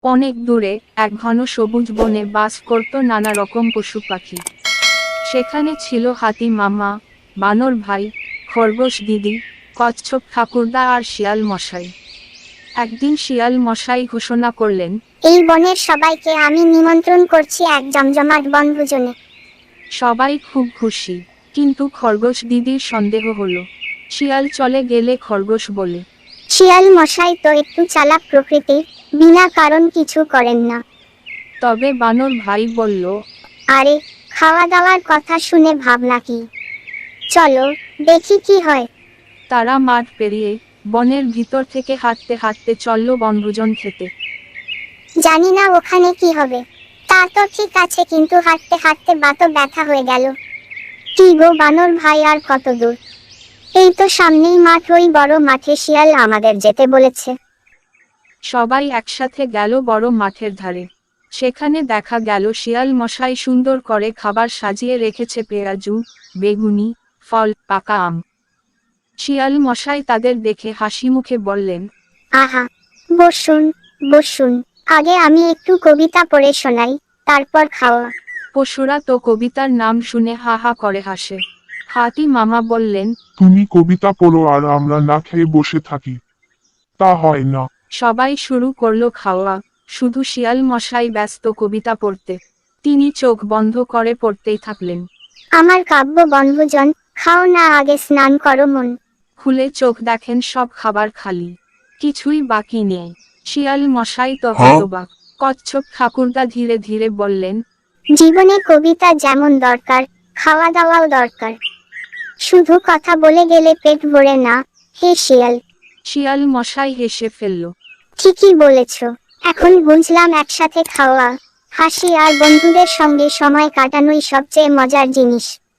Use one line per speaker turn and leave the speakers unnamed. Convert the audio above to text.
অনেক দূরে এক ঘন সবুজ বনে বাস করত নানা রকম পশু পাখি। সেখানে ছিল হাতি মামা, বানর ভাই, খরগোশ দিদি, কচ্ছপ ঠাকুরদা আর শিয়াল মশাই। একদিন শিয়াল মশাই ঘোষণা করলেন,
এই বনের সবাইকে আমি নিমন্ত্রণ করছি এক জমজমাট বনভোজনে।
সবাই খুব খুশি, কিন্তু খরগোশ দিদির সন্দেহ হলো। শিয়াল চলে গেলে খরগোশ বলে,
শিয়াল মশাই তো একটু চালাক প্রকৃতির, বিনা কারণ কিছু করেন না।
তবে বানর ভাই বলল,
আরে, খাওয়া দাওয়ার কথা শুনে ভাবনা কি, চলো দেখি কি হয়।
তারা মাঠ পেরিয়ে বনের ভিতর থেকে হাঁটতে হাঁটতে চলল বনভোজন খেতে।
জানি না ওখানে কি হবে, তা তো ঠিক আছে, কিন্তু হাঁটতে হাঁটতে বাতও ব্যথা হয়ে গেল। কি গো বানর ভাই, আর কত দূর? এই তো সামনেই মাঠ, ওই বড় মাঠে শিয়াল আমাদের যেতে বলেছে।
সবাই একসাথে গেল বড় মাঠের ধারে। সেখানে দেখা গেল শিয়াল মশাই সুন্দর করে খাবার সাজিয়ে রেখেছে, পেঁয়াজু, বেগুনি, ফল, পাকা আম। শিয়াল মশাই তাদের দেখে হাসি মুখে বললেন,
আহা, বসুন বসুন, আগে আমি একটু কবিতা পড়ে শোনাই, তারপর খাওয়া।
পশুরা তো কবিতার নাম শুনে হা হা করে হাসে। হাতি মামা বললেন,
তুমি কবিতা পড়ো আর আমরা না খেয়ে বসে থাকি, তা হয় না।
সবাই শুরু করলো খাওয়া, শুধু শিয়াল মশাই ব্যস্ত কবিতা পড়তে। তিনি চোখ বন্ধ করে পড়তেই থাকলেন।
আমার কাব্য বনভোজন, খাও না, আগে স্নান করো মন।
খুলে চোখ দেখেন সব খাবার খালি, কিছুই বাকি নেই। শিয়াল মশাই তো
হ্যাঁ?
হতবাক। কচ্ছপ ঠাকুরদা ধীরে ধীরে বললেন,
জীবনে কবিতা যেমন দরকার, খাওয়া দাওয়াও দরকার। শুধু কথা বলে গেলে পেট ভরে না। হে শিয়াল,
শিয়াল মশাই হেসে ফেলল।
ঠিকই বলেছ, এখন বুঝলাম একসাথে খাওয়া, হাসি আর বন্ধুদের সঙ্গে সময় কাটানোই সবচেয়ে মজার জিনিস।